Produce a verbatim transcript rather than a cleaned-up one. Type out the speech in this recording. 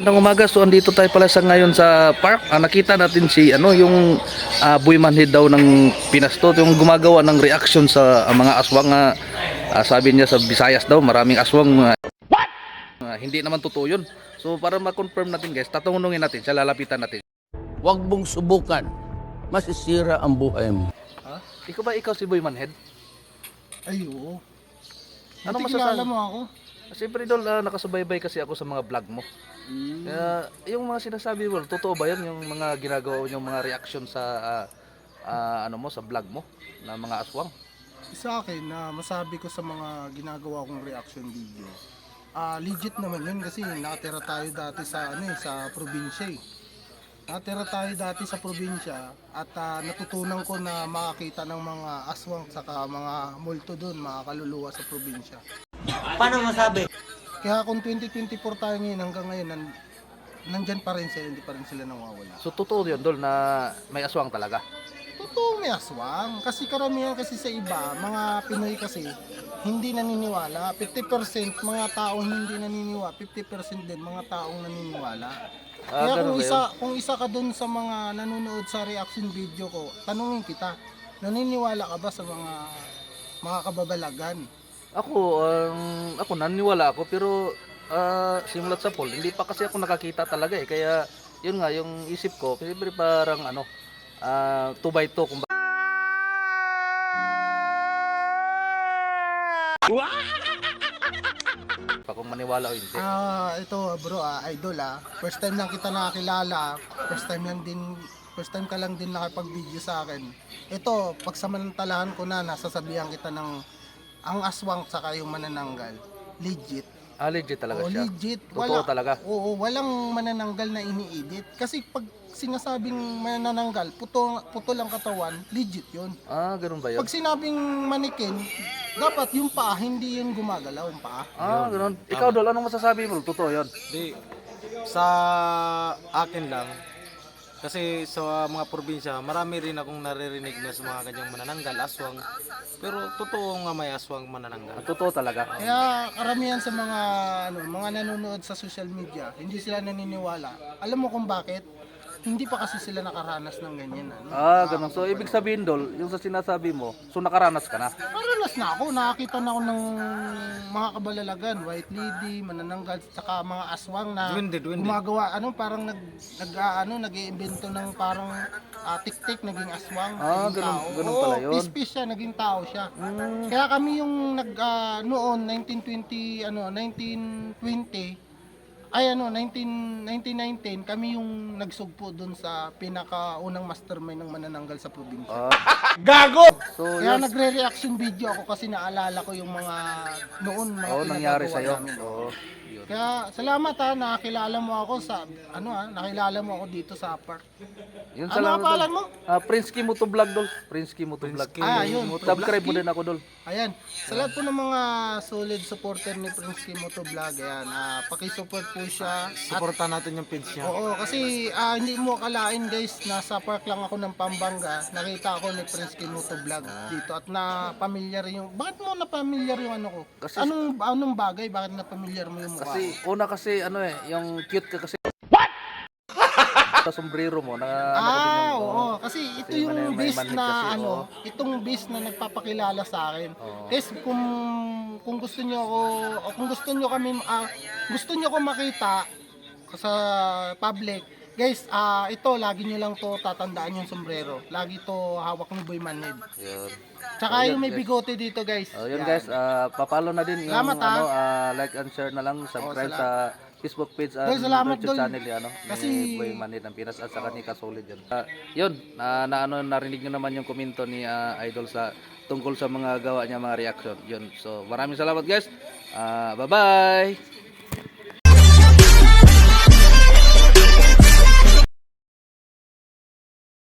Magandang umaga. So andito tayo pala sa ngayon sa park. Ah, nakita natin si ano yung ah, Boy Manhid daw ng Pinas to, yung gumagawa ng reaction sa ah, mga aswang. Ah, ah, sabi niya sa Visayas daw maraming aswang. Ah, ah, hindi naman totoo yun. So para ma-confirm natin guys, tatanungin natin siya, lalapitan natin. Huwag mong subukan. Masisira ang buhay mo. Ha? Ikaw ba ikaw si Boy Manhid? Ay, oo. Ano Buti masasabi? kilala mo ako. Siyempre idol, ah, nakasubaybay kasi ako sa mga vlog mo. Kaya yung mga sinasabi mo, totoo ba yan? Yung mga ginagawa yung mga reaction sa ah, ah, ano mo, sa vlog mo na mga aswang? Sa akin na masabi ko sa mga ginagawa kong reaction video. Ah, legit naman yun kasi nakatira tayo dati sa ano eh, sa probinsya eh. Nakatira tayo dati sa probinsya at ah, natutunan ko na makakita ng mga aswang saka mga multo doon, mga kaluluwa sa probinsya. Paano masabi? Kaya kung twenty twenty-four tayo ngayon hanggang ngayon, nan nandyan pa rin sila, hindi pa rin sila nawawala. So totoo yun dol na may aswang talaga. Totoo may aswang. Kasi karamihan kasi sa iba, mga Pinoy kasi, hindi naniniwala. fifty percent mga taong hindi naniniwala, fifty percent din mga taong naniniwala. Ah, Kaya ganun kung ba isa, kung isa ka dun sa mga nanonood sa reaction video ko, tanungin kita, naniniwala ka ba sa mga mga kababalagan? Ako, um, ako naniniwala ako pero ah, simulat sa poll, hindi pa kasi ako nakakita talaga eh. Kaya yun nga, yung isip ko, siyempre parang ano, ah, two by two. Kung pa kung maniwala o hindi. Ah, ito bro, ah, idol ah. First time lang kita nakakilala. First time lang din first time ka lang din nakapag-video sa akin. Ito, pagsamantalahan ko na nasasabihan kita ng ang aswang saka yung manananggal. Legit. Ah, legit talaga Oo, siya. legit. Totoo talaga. Oo, walang manananggal na ini-edit. Kasi pag sinasabing manananggal, puto, puto lang katawan, legit yun. Ah, ganun ba yun? Pag sinabing manikin, dapat yung paa, hindi yung gumagalaw yung paa. Ah, ganun. Ikaw dol, anong masasabi mo? Totoo yun. Di, sa akin lang, kasi sa mga probinsya, marami rin akong naririnig na sa mga kanyang manananggal, aswang. Pero totoo nga may aswang manananggal. Totoo talaga. Kaya karamihan sa mga ano, mga nanonood sa social media, hindi sila naniniwala. Alam mo kung bakit? Hindi pa kasi sila nakaranas ng ganyan. Ano? Ah, ganun. So, ibig sabihin dol, yung sa sinasabi mo, so nakaranas ka na. Nakaranas na ako, nakakita na ako ng mga kabalalagan, white lady, manananggal, saka mga aswang na Duwende, duwende. gumagawa, ano, parang nag, nag ah, ano, nag-iimbento ng parang ah, tik-tik, naging aswang, Ah, naging ganun- tao. ganun Oo, pala yun. peace-peace siya, naging tao siya. Kaya kami yung nag, ah, noon, nineteen twenty, ano, nineteen twenty, ay ano, nineteen, nineteen nineteen, kami yung nagsugpo dun sa pinakaunang mastermind ng manananggal sa probinsya. Ah, so, Kaya yun. nagre-reaction video ako kasi naalala ko yung mga noon mga Oo, nangyari pinagagawa sa'yo. namin. Oo, yun. Kaya salamat ha, nakakilala mo ako sa ano ha, nakilala mo ako dito sa park. Yun, Ano salamat, ang pangalan dol. mo? Ah, Prince Kim Moto Vlog dol. Prince Kim Moto Vlog. Ah, yun. Subscribe mo din ako dol. Ayan, sa lahat po ng mga solid supporter ni Prince Kim Moto Vlog, ayan, ah, paki-support po siya. At, Supportan natin yung page niya. oo, kasi ah, hindi mo akalain guys, nasa park lang ako ng Pampanga, nakita ako ni Prince Kim Moto Vlog dito at na familiar yung, bakit mo na familiar yung ano ko? Kasi- anong, anong bagay, bakit na familiar mo yung mukha Kasi, ko? una kasi, ano eh, yung cute ka kasi. What? Sa sombrero mo, na ano kasi Ah, yung, oo. Kasi ito Kasi yung may- may beast manhid na kasi, ano, oo. itong beast na nagpapakilala sa akin. Oo. Guys, kung kung gusto niyo ako, o kung gusto niyo kami ah, gusto niyo ko makita sa public, guys, ah ito lagi niyo lang to tatandaan yung sombrero. Lagi to hawak ni Boy Manhid. Yun. Tsaka So, yung yun, may guys. bigote dito, guys. Oh, yun Yan. guys, ah, papalo na din yung Salamat, ha. ano, ah, like and share na lang, subscribe Oh, sa Facebook page at Dol, salamat, YouTube Dol. channel ni ano, Kasi- ni Boy Manhid ng Pinas at saka ni Kasolid yun. Ah, yun, na, na ano narinig niyo naman yung komento ni ah, Idol sa tungkol sa mga gawa niya, mga reaction. Yun. So, maraming salamat guys. Ah, bye-bye.